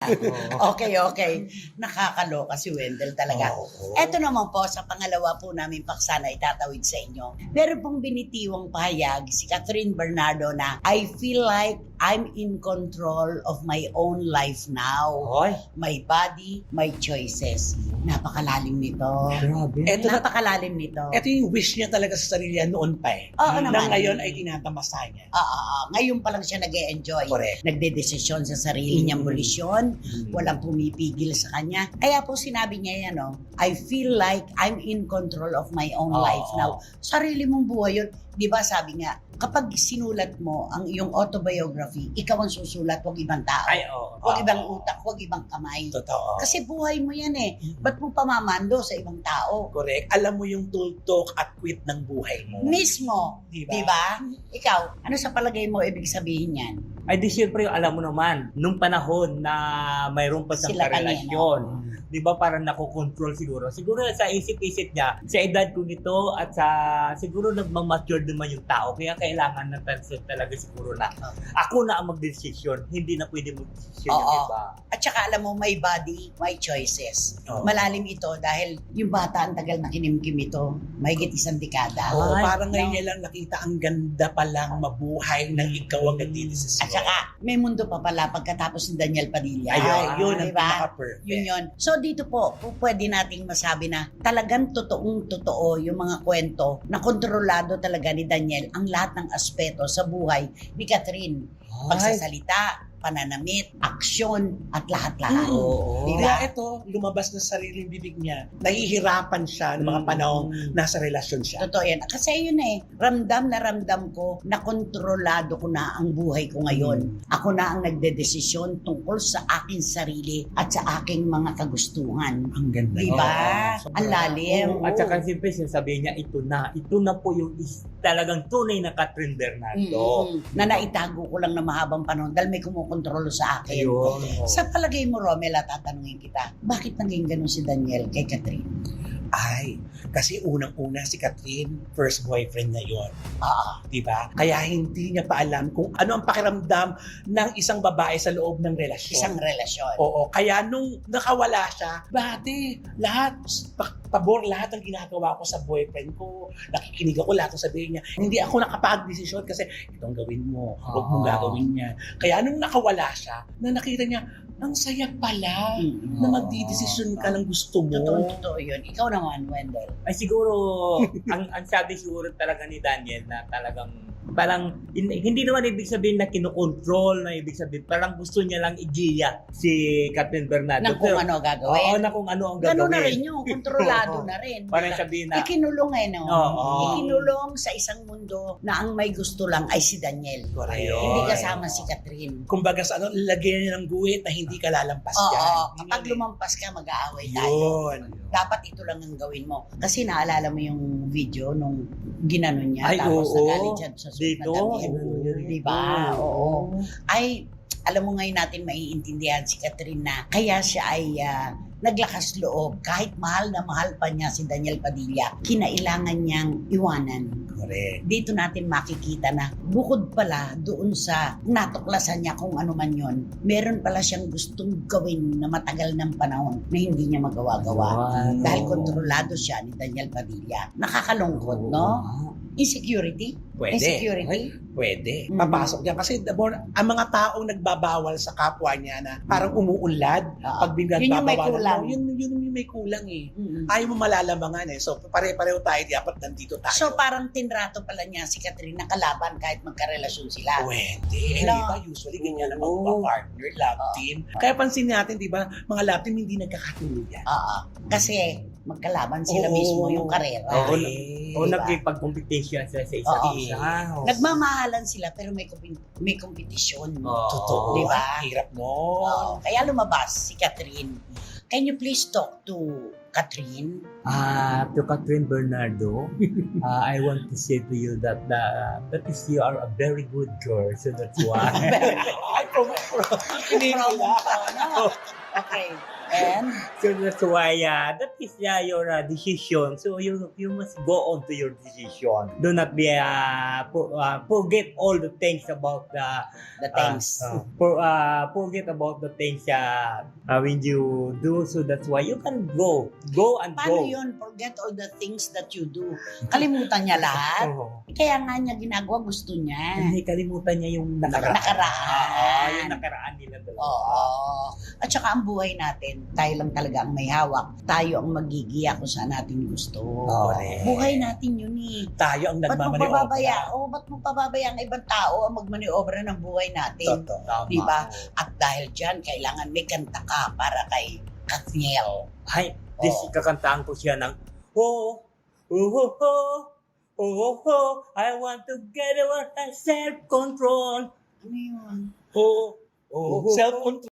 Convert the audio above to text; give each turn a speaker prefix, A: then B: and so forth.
A: Okay, okay. Nakakaloka si Wendell talaga. Eto naman po, sa pangalawa po namin paksa na itatawid sa inyo. Meron pong binitiwang pahayag si Catherine Bernardo na I feel like I'm in control of my own life now.
B: Hoy,
A: My body, my choices. Napakalalim nito.
B: grabe.
C: Eto na,
A: Napakalalim nito.
C: ito yung wish niya talaga sa sarili niya noon pa eh.
A: Oo
C: Na
A: naman.
C: ngayon ay tinatamasa niya.
A: Ngayon pa lang siya nag-e-enjoy.
C: Correct.
A: Nagdedesisyon sa sarili niyang bolisyon. Walang pumipigil sa kanya. Kaya po sinabi niya yan, no? I feel like I'm in control of my own life now. Sarili mong buhay yun. Di ba sabi nga, kapag sinulat mo ang iyong autobiography, ikaw ang susulat, huwag ibang tao.
B: Ay, oo.
A: Huwag ibang utak, huwag ibang kamay.
C: Totoo.
A: Kasi buhay mo yan eh. Ba't mo pamamando sa ibang tao?
C: Correct. Alam mo yung tultok at quit ng buhay mo.
A: Mismo.
C: Diba?
A: Di ba? Ikaw, ano sa palagay mo ibig sabihin yan?
B: Ay di syempre, alam mo naman, nung panahon na mayroon pa siyang
A: Sila
B: karelasyon, di ba parang nakokontrol siguro. Siguro sa isip-isip niya, sa edad ko nito at sa siguro nagmamature naman yung tao. Kaya kailangan na talaga siguro na ako na ang magdesisyon. Hindi na pwede magdesisyon yung
A: Oo.
B: iba.
A: At saka alam mo, my body, my choices.
C: Oo.
A: Malalim ito dahil yung bata ang tagal na kinimkim ito. Mahigit isang dekada.
C: Oo,
B: Ay,
C: parang ngayon
A: no.
C: niya lang nakita ang ganda palang mabuhay nang ikaw ang nagdidesisyon.
A: At saka, may mundo pa pala pagkatapos ni Daniel Padilla.
C: Ayun, yun ang
A: diba?
C: pinaka-perfect.
A: Yun. So dito po pwede nating masabi na talagang totoong-totoo yung mga kwento na kontrolado talaga ni Daniel ang lahat ng aspeto sa buhay ni Catherine. Pagsasalita, pananamit, aksyon, at lahat-lahat.
B: Oo.
A: Diba?
C: Kaya ito, lumabas na sa sariling bibig niya. Nahihirapan siya ng mga panahong nasa relasyon siya.
A: Totoo yan. Kasi yun eh, ramdam na ramdam ko na kontrolado ko na ang buhay ko ngayon. Ako na ang nagdedesisyon tungkol sa aking sarili at sa aking mga kagustuhan.
C: Ang ganda.
A: Di ba?
C: Oo.
A: Ang lalim.
B: At saka siyempre sinasabihin niya, ito na po yung talagang tunay na Catherine Bernardo.
A: Na naitago ko lang na mahabang panahon dahil may kumukontrolo sa akin.
B: Ayun.
A: Sa palagay mo, Romela, tatanungin kita, bakit naging ganun si Daniel kay Catherine?
C: Ay, kasi unang-una si Catherine, first boyfriend na yon,
A: Ah,
C: di ba? Kaya hindi niya pa alam kung ano ang pakiramdam ng isang babae sa loob ng relasyon.
A: isang relasyon.
C: Oo, kaya nung nakawala siya, dati, lahat, pabor lahat ng ginagawa ko sa boyfriend ko, nakikinig ako lahat ng sabihin niya, hindi ako nakapag-desisyon kasi itong gawin mo, huwag mong gagawin niya. Kaya nung nakawala siya, na nakita niya, ang saya pala na magdidesisyon ka ng gusto mo.
A: Totoo yun. Ikaw naman, Wendell.
B: Ay siguro, ang sabi siguro talaga ni Daniel na talagang parang hindi naman ibig sabihin na kinokontrol, na ibig sabihin parang gusto niya lang igiya si Catherine Bernardo.
A: Nang kung ano gagawin.
B: Oo, na kung ano ang gagawin.
A: Ganun na rin yun. Kontrolado na rin.
B: Parang sabihin na,
A: Ikinulong no?
B: Oo.
A: Ikinulong sa isang mundo na ang may gusto lang ay si Daniel.
C: Correct.
A: Hindi kasama si Catherine.
C: Kumbaga sa ano, lagyan niya ng guhit na hindi ka lalampas
A: Oo,
C: dyan.
A: kapag lumampas ka, mag-aaway tayo.
C: Yun.
A: Dapat ito lang ang gawin mo. Kasi naalala mo yung video nung ginanon niya,
B: Ay,
A: tapos
B: oo.
A: nagalit siya sa suit na
B: Dito.
A: damit. Diba? Oo. Ay, alam mo ngayon natin maiintindihan si Catherine na kaya siya ay naglakas loob. Kahit mahal na mahal pa niya si Daniel Padilla, kinailangan niyang iwanan.
C: Correct.
A: Dito natin makikita na bukod pala doon sa natuklasan niya kung ano man yon, meron pala siyang gustong gawin na matagal ng panahon na hindi niya magawa-gawa.
B: Wow.
A: Dahil kontrolado siya ni Daniel Padilla. Nakakalungkot, no? Insecurity?
C: Pwede.
A: Insecurity?
C: Pwede.
A: Mhm.
C: Papasok yan. Kasi ang mga taong nagbabawal sa kapwa niya na parang umuunlad, pag
A: Yun yung may kulang.
C: yun yung may kulang eh.
A: Mm-mm.
C: Ayaw mo malalamangan eh. So, pare-pareho tayo, dapat nandito tayo.
A: So parang tinrato pala niya si Catherine na kalaban kahit magkarelasyon sila.
C: Pwede. Eh,
A: No.
C: di ba? Usually, ganyan naman
B: Oo.
C: mga partner, love team. Kaya pansin natin, di ba, mga love team hindi nagkakatuluyan. Kasi magkalaban sila Oo.
A: mismo yung karera.
B: Oo.
C: Correct.
B: O
A: Diba?
B: nagkipag-competition sila sa isa't
A: Oo.
B: isa.
A: Nagmamahalan sila pero may kompetisyon.
B: Oo.
C: Totoo.
A: Di ba?
C: Ang hirap mo.
A: Oo. Kaya lumabas si Catherine. Can you please talk to Catherine?
B: To Catherine Bernardo, I want to say to you that that is you are a very good girl, so that's why.
C: Ay, Hindi
A: Promo
C: nila.
A: ko, no? Okay. And,
B: So that's why that is your decision. So you must go on to your decision. Do not be forget all the things about
A: the things.
B: forget about the things when you do. So that's why you can go and
A: Paano
B: go.
A: yun? Forget all the things that you do. Kalimutan niya lahat.
B: Oo.
A: Kaya nga niya ginagawa, gusto niya.
B: Hindi kalimutan niya yung nakaraan.
A: Nakaraan.
B: Yung nakaraan nila dalawa.
A: Oo. At saka ang buhay natin, tayo lang talaga ang may hawak. Tayo ang magigiya kung saan natin gusto.
B: Correct.
A: Buhay natin yun eh.
C: Tayo ang
A: Ba't mo
C: nagmamaniobra.
A: pababaya? Ba't mo pababaya ang ibang tao ang magmaniobra ng buhay natin?
C: Totoo.
B: Tama.
A: Diba? At dahil dyan, kailangan may kanta ka para kay Kathniel.
B: Ay, this kakantaan ko siya ng oh, oh, oh, oh, oh, oh, I want to get over my self-control.
A: Ano yun?
C: Oo.
B: Oh,
C: Self-control.